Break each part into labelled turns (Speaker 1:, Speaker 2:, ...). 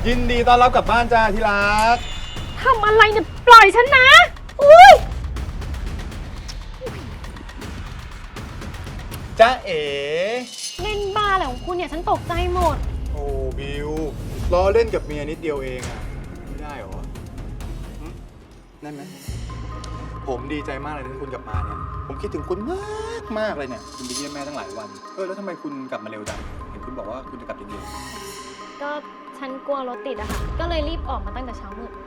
Speaker 1: ยินดีต้อนรับกลับบ้านจ้าที่รัก
Speaker 2: ทำอะไรเนี่ยปล่อยฉันนะอุ้ย
Speaker 1: จ้าเอ๋
Speaker 2: เล่นบ้าอะไรของคุณเนี่ยฉันตกใจหมด
Speaker 1: โอ้บิวล้อเล่นกับเมียนิดเดียวเองอะไม่ได้หรอนั่นไหมผมดีใจมากเลยที่คุณกลับมาเนี่ยผมคิดถึงคุณมากเลยเนี่ยคุณไปเยี่ยมแม่ตั้งหลายวันแล้วทำไมคุณกลับมาเร็วจังเห็นคุณบอกว่าคุณจะกลับเย็น
Speaker 2: ๆก็ฉันกลัวรถติดอะค่ะก็เลยรีบออกมาตั้งแต่เช้ามืด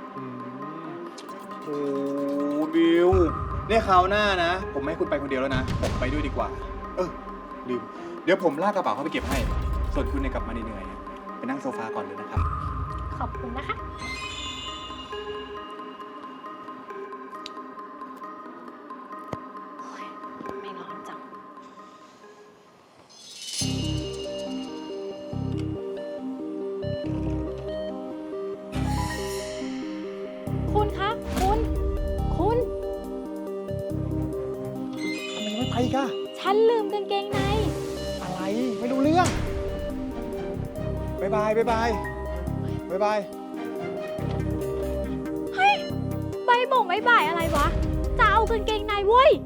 Speaker 1: โอ้บิวเนี่ยคราวหน้านะผมไม่ให้คุณไปคนเดียวแล้วนะผมไปด้วยดีกว่าลืมเดี๋ยวผมลากกระเป๋าเข้าไปเก็บให้ส่วนคุณเนี่ยกลับมาเหนื่อยๆไปนั่งโซฟาก่อนเลยนะครับ
Speaker 2: ขอบคุณนะคะไม่ร้อนจังคุณคะคุณ
Speaker 1: ทำไมไม่ไปกะ
Speaker 2: ฉันลืมกางเกงใน
Speaker 1: อะไรไม่รู้เรื่องบายบาย
Speaker 2: เฮ้ยใบบ่งใบบ่ายอะไรวะจะเอากางเกงในเว้ย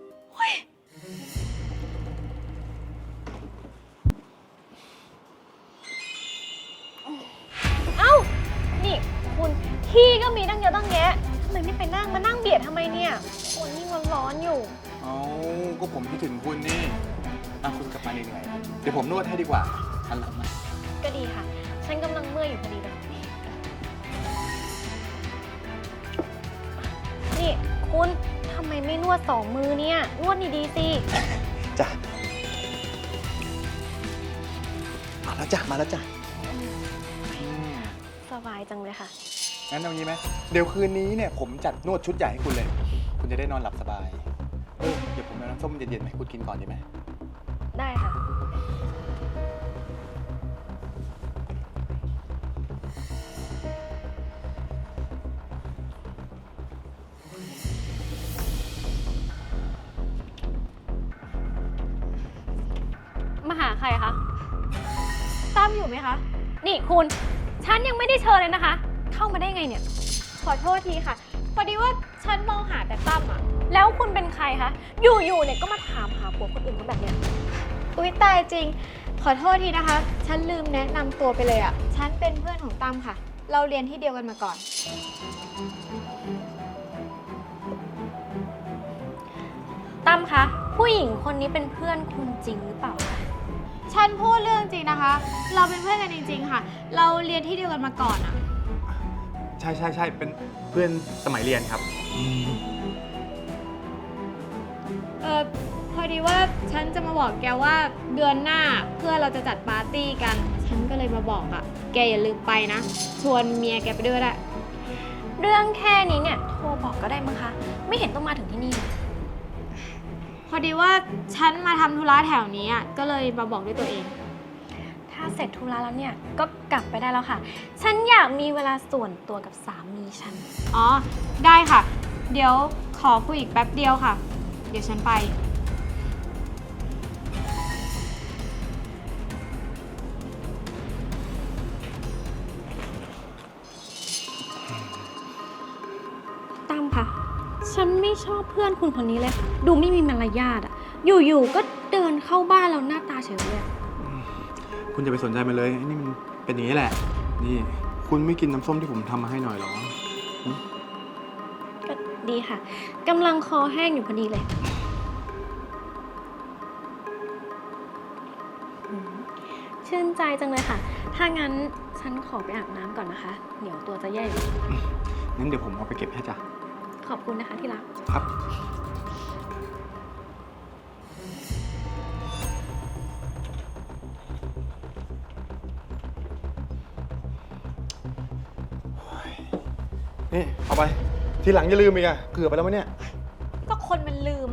Speaker 2: เอ้านี่คุณที่ก็มีตั้งเยอะตั้งแยะทำไมไม่ไปนั่งมานั่งเบียดทำไมเนี่ยคนยิ่งร้อนอยู่
Speaker 1: ก็ผมคิดถึงคุณนี่คุณกลับมาเหนื่อยเดี๋ยวผมนวดให้ดีกว่าทันหลังนะ
Speaker 2: ก็ดีค่ะฉันกำลังเมื่อยอยู่พอดีเลยนี่คุณทำไมไม่นวด2 มือเนี่ยนวดดีๆสิ
Speaker 1: จ้ะมาแล้วจ้ะ
Speaker 2: สบายจังเลยค่ะ
Speaker 1: งั้นเอางี้ไหมเดี๋ยวคืนนี้เนี่ยผมจัดนวดชุดใหญ่ให้คุณเลยคุณจะได้นอนหลับสบายเดี๋ยวผมเอาน้ำส้มเย็นๆให้คุณกินก่อนดีไหม
Speaker 2: ได้ค่ะมาหาใครคะตั้มอยู่ไหมคะนี่คุณฉันยังไม่ได้เชิญเลยนะคะเข้ามาได้ไงเนี่ยขอโทษทีค่ะพอดีว่าฉันมองหาแต่ตั้มอะแล้วคุณเป็นใครคะอยู่ๆเนี่ยก็มาถามหาผัวคนอื่นเขาแบบเนี้ยอุ๊ยตายจริงขอโทษทีนะคะฉันลืมแนะนำตัวไปเลยอะฉันเป็นเพื่อนของตั้มค่ะเราเรียนที่เดียวกันมาก่อนตั้มคะผู้หญิงคนนี้เป็นเพื่อนคุณจริงหรือเปล่าคะฉันพูดเรื่องจริงนะคะเราเป็นเพื่อนกันจริงๆค่ะเราเรียนที่เดียวกันมาก่อนอะ
Speaker 1: ใช่เป็นเพื่อนสมัยเรียนครับ
Speaker 2: พอดีว่าฉันจะมาบอกแกว่าเดือนหน้าเพื่อเราจะจัดปาร์ตี้กันฉันก็เลยมาบอกอะแกอย่าลืมไปนะชวนเมียแกไปด้วยละเรื่องแค่นี้เนี่ยโทรบอกก็ได้มั้งคะไม่เห็นต้องมาถึงที่นี่พอดีว่าฉันมาทำธุระแถวนี้ก็เลยมาบอกด้วยตัวเองถ้าเสร็จธุระแล้วเนี่ยก็กลับไปได้แล้วค่ะฉันอยากมีเวลาส่วนตัวกับสามีฉันอ๋อได้ค่ะเดี๋ยวขอคุยอีกแป๊บเดียวค่ะเดี๋ยวฉันไปตั้มค่ะฉันไม่ชอบเพื่อนคุณคนนี้เลยค่ะดูไม่มีมารยาทอยู่ๆก็เดินเข้าบ้านแล้วหน้าตาเฉยเลย
Speaker 1: คุณอย่าไปสนใจมันเลยนี่มันเป็นอย่างนี้แหละนี่คุณไม่กินน้ำส้มที่ผมทำมาให้หน่อยหรอ
Speaker 2: ก็ดีค่ะกำลังคอแห้งอยู่พอดีเลยชื่นใจจังเลยค่ะถ้างั้นฉันขอไปอาบน้ำก่อนนะคะเดี๋ยวตัวจะแย่อยู่
Speaker 1: งั้นเดี๋ยวผมเอาไปเก็บให้จ้ะ
Speaker 2: ขอบคุณนะคะที่รัก
Speaker 1: ครับนี่เอาไปทีหลังอย่าลืมอีกเกือบไปแล้วมั้ยเนี่ย
Speaker 2: ก็คนมันลืม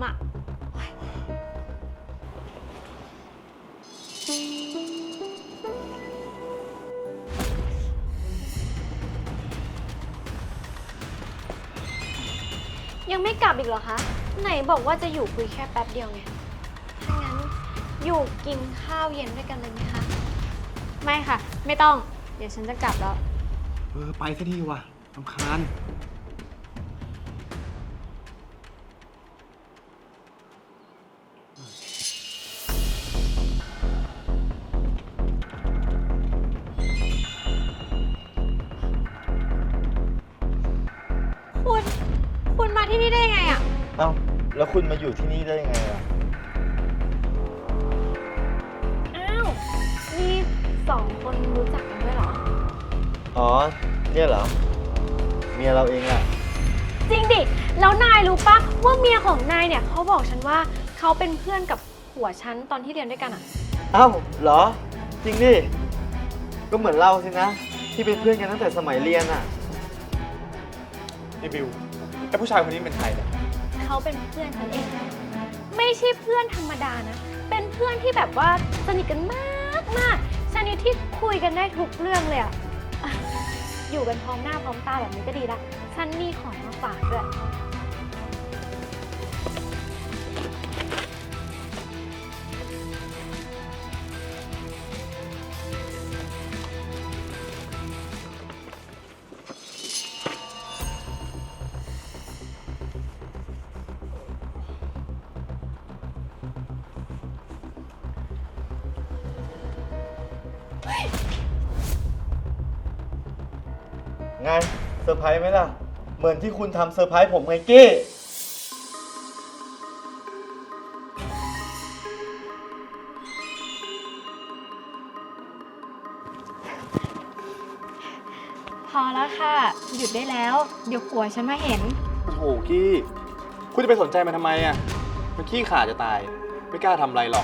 Speaker 2: ยังไม่กลับอีกเหรอคะไหนบอกว่าจะอยู่คุยแค่แป๊บเดียวไงถ้างั้นอยู่กินข้าวเย็นด้วยกันเลยไหมคะไม่ค่ะไม่ต้องเดี๋ยวฉันจะกลับแล้ว
Speaker 1: ไปซะทีว่ะรำคาญ
Speaker 2: คุณมาที่นี่ได้ยังไงอะ
Speaker 3: เอ้าแล้วคุณมาอยู่ที่นี่ได้ยังไงล่ะ
Speaker 2: อ้าว นี่สองคนรู้จักกันด้วยเหรอ
Speaker 3: อ๋อ เนี่ยเหรอ เมียเราเองแหละ
Speaker 2: จริงดิ แล้วนายรู้ปะว่าเมียของนายเนี่ยเขาบอกฉันว่าเขาเป็นเพื่อนกับผัวฉันตอนที่เรียนด้วยกันอะ
Speaker 3: เอ้าเหรอ จริงดิ ก็เหมือนเราสินะ ที่เป็นเพื่อนกันตั้งแต่สมัยเรียนอ่ะ
Speaker 1: นี่บิวไอ้ผู้ชายคนนี้เป็นใครเนี่ย
Speaker 2: เขาเป็นเพื่อนฉันเอง ไม่ใช่เพื่อนธรรมดานะ เป็นเพื่อนที่แบบว่าสนิทกันมากมากชนิดที่คุยกันได้ทุกเรื่องเลยอะอ่ะ อยู่กันพร้อมหน้าพร้อมตาแบบนี้ก็ดีละ ฉันมีของมาฝากด้วย
Speaker 3: ไงเซอร์ไพรส์ไหมล่ะ เหมือนที่คุณทำเซอร์ไพรส์ผมไงกี้
Speaker 2: พอแล้วค่ะ หยุดได้แล้ว เดี๋ยวผัวฉันมาเห็น
Speaker 1: โอ้โหกี้ คุณจะไปสนใจมันทำไมอ่ะ มันขี้ขลาดจะตาย ไม่กล้าทำอะไรหรอก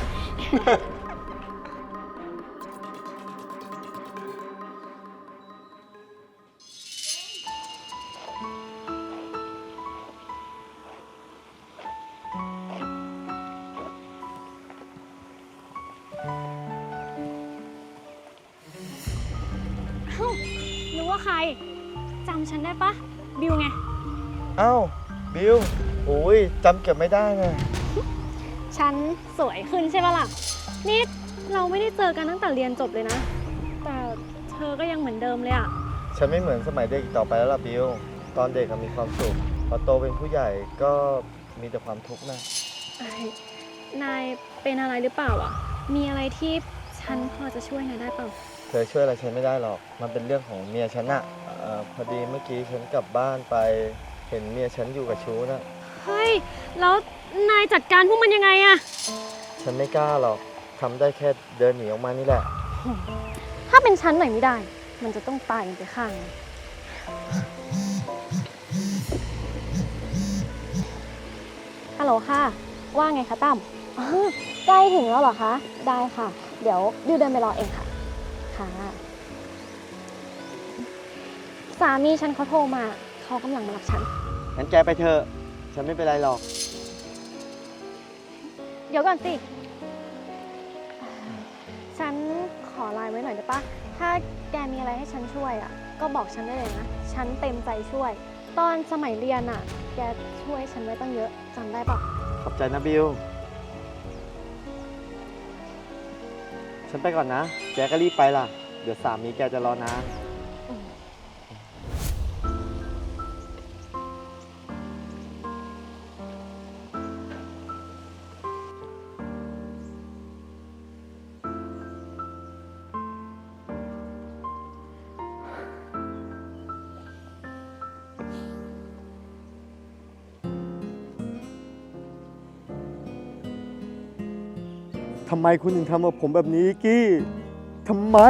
Speaker 2: เอ้านึกว่าใคร จำฉันได้ปะ บิวไง
Speaker 3: เอ้า บิวโอ้ยจำเก็บไม่ได้ไง
Speaker 2: ฉันสวยขึ้นใช่ปะล่ะ นี่เราไม่ได้เจอกันตั้งแต่เรียนจบเลยนะ แต่เธอก็ยังเหมือนเดิมเลยอะ
Speaker 3: ฉันไม่เหมือนสมัยเด็กอีกต่อไปแล้วล่ะบิว ตอนเด็กก็มีความสุข พอโตเป็นผู้ใหญ่ก็มีแต่ความทุกข์นะ
Speaker 2: เอ้ยนายเป็นอะไรหรือเปล่าอะมีอะไรที่ฉันพอจะช่วยนายได้เปล่า
Speaker 3: เธอช่วยอะไรฉันไม่ได้หรอก มันเป็นเรื่องของเมียฉันอะพอดีเมื่อกี้ฉันกลับบ้านไป เห็นเมียฉันอยู่กับชู้นะ
Speaker 2: เฮ้ย แล้วนายจัดการพวกมันยังไงอะ
Speaker 3: ฉันไม่กล้าหรอก ทำได้แค่เดินหนีออกมานี่แหละ
Speaker 2: ถ้าเป็นฉันหน่อยไม่ได้ มันจะต้องตายกันไปข้างหนึ่งฮัลโหลค่ะ ว่าไงคะตั้มอ๋อใกล้ถึงแล้วเหรอคะ ได้ค่ะ เดี๋ยวดิวเดินไปรอเองค่ะ ค่ะ สามีฉันเขาโทรมา เขากำลังมารับฉัน
Speaker 3: งั้นแกไปเถอะ ฉันไม่เป็นไรหรอก
Speaker 2: เดี๋ยวก่อนสิ ฉันขอไลน์ไว้หน่อยได้ปะ ถ้าแกมีอะไรให้ฉันช่วยอ่ะ ก็บอกฉันได้เลยนะ ฉันเต็มใจช่วย ตอนสมัยเรียนอ่ะ แกช่วยฉันไว้ตั้งเยอะ จำได้ปะ
Speaker 3: ขอบใจนะบิว ฉันไปก่อนนะ แกก็รีบไปล่ะ เดี๋ยวสามีแกจะรอนาน ทำไมคุณถึงทำกับผมแบบนี้กี้ ทำไม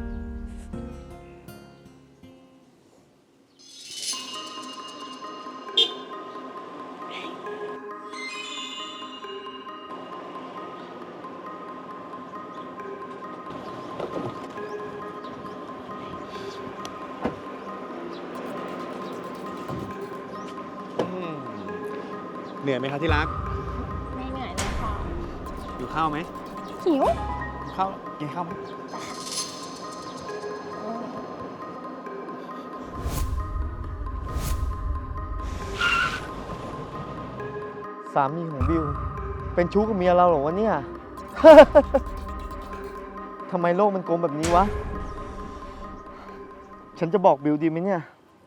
Speaker 1: เหนื่อยไหมครับที่รัก
Speaker 2: ไม่เหนื่อยเลยค่ะ
Speaker 1: อยู่ข้าวไหม
Speaker 2: หิว
Speaker 1: ข้าวกินข้าวไหม
Speaker 3: สามีของบิว เป็นชู้กับเมียเราเหรอวะเนี่ย ทำไมโลกมันโกงแบบนี้วะฉันจะบอกบิวดีไหมเนี่ย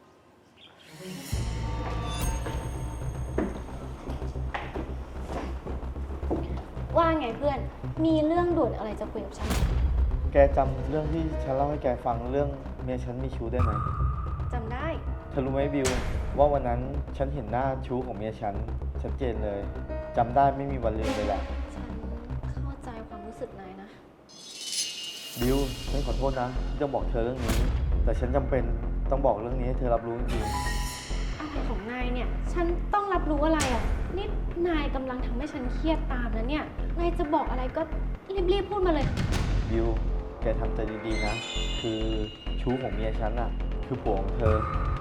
Speaker 2: ว่าไงเพื่อน มีเรื่องด่วนอะไรจะคุยกับฉัน
Speaker 3: แกจำเรื่องที่ฉันเล่าให้แกฟังเรื่องเมียฉันมีชู้ได้ไหม
Speaker 2: จำได้
Speaker 3: เธอรู้ไหมบิวว่าวันนั้นฉันเห็นหน้าชู้ของเมียฉันชัดเจนเลยจำได้ไม่มีวันลืมเลยแหละ
Speaker 2: ฉันเข้าใจความรู้สึกนายนะ
Speaker 3: บิวฉันขอโทษนะที่ต้องบอกเธอเรื่องนี้ แต่ฉันจำเป็นต้องบอกเรื่องนี้ให้เธอรับรู้จริง
Speaker 2: อะไรของนายเนี่ย ฉันต้องรับรู้อะไรอ่ะ นี่นายกำลังทำให้ฉันเครียดตามนะเนี่ย นายจะบอกอะไรก็รีบๆพูดมาเลย
Speaker 3: ๆบิวแกทำใจดีๆนะ คือชู้ของเมียฉันน่ะ คือผัวของเธอ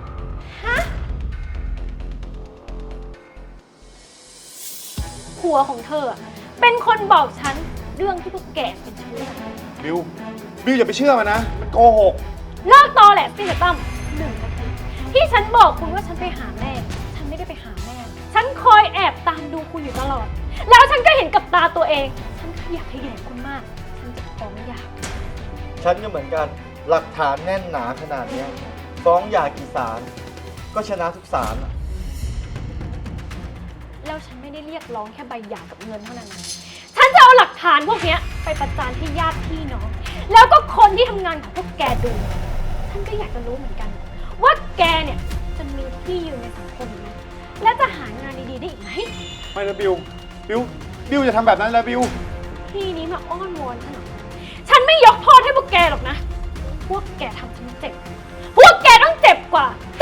Speaker 2: ผัวของเธออะเป็นคนบอกฉันเรื่องที่พวกแกเป็นชู้กัน
Speaker 1: บิว บิวอย่าไปเชื่อมันนะ มันโกหก
Speaker 2: เลิกตอแหละสินะตั้ม1 นาทีที่ฉันบอกคุณว่าฉันไปหาแม่ ฉันไม่ได้ไปหาแม่ ฉันคอยแอบตามดูคุณอยู่ตลอด แล้วฉันก็เห็นกับตาตัวเอง ฉันขยะแขยงคุณมาก ฉันจะฟ้องหย่า
Speaker 3: ฉันก็เหมือนกันหลักฐานแน่นหนาขนาดเนี้ยฟ้องหย่ากี่ศาลก็ชนะทุกศาลอะ
Speaker 2: แล้วฉันไม่ได้เรียกร้องแค่ใบหย่ากับเงินเท่านั้นนะฉันจะเอาหลักฐานพวกเนี้ยไปประจานให้ญาติพี่น้อง แล้วก็คนที่ทำงานของพวกแกดู ฉันก็อยากจะรู้เหมือนกัน ว่าแกเนี่ยจะมีที่ยืนในสังคมไหมและจะหางานดีๆได้อีกไหม
Speaker 1: ไม่นะบิว บิว บิวจะทำแบบนั้นแล้วบิว
Speaker 2: พี่นี้มาอ้อนวอนฉันเหรอฉันไม่ยกโทษให้พวกแกหรอกนะ พวกแกทำฉันเจ็บ พวกแกต้องเจ็บกว่า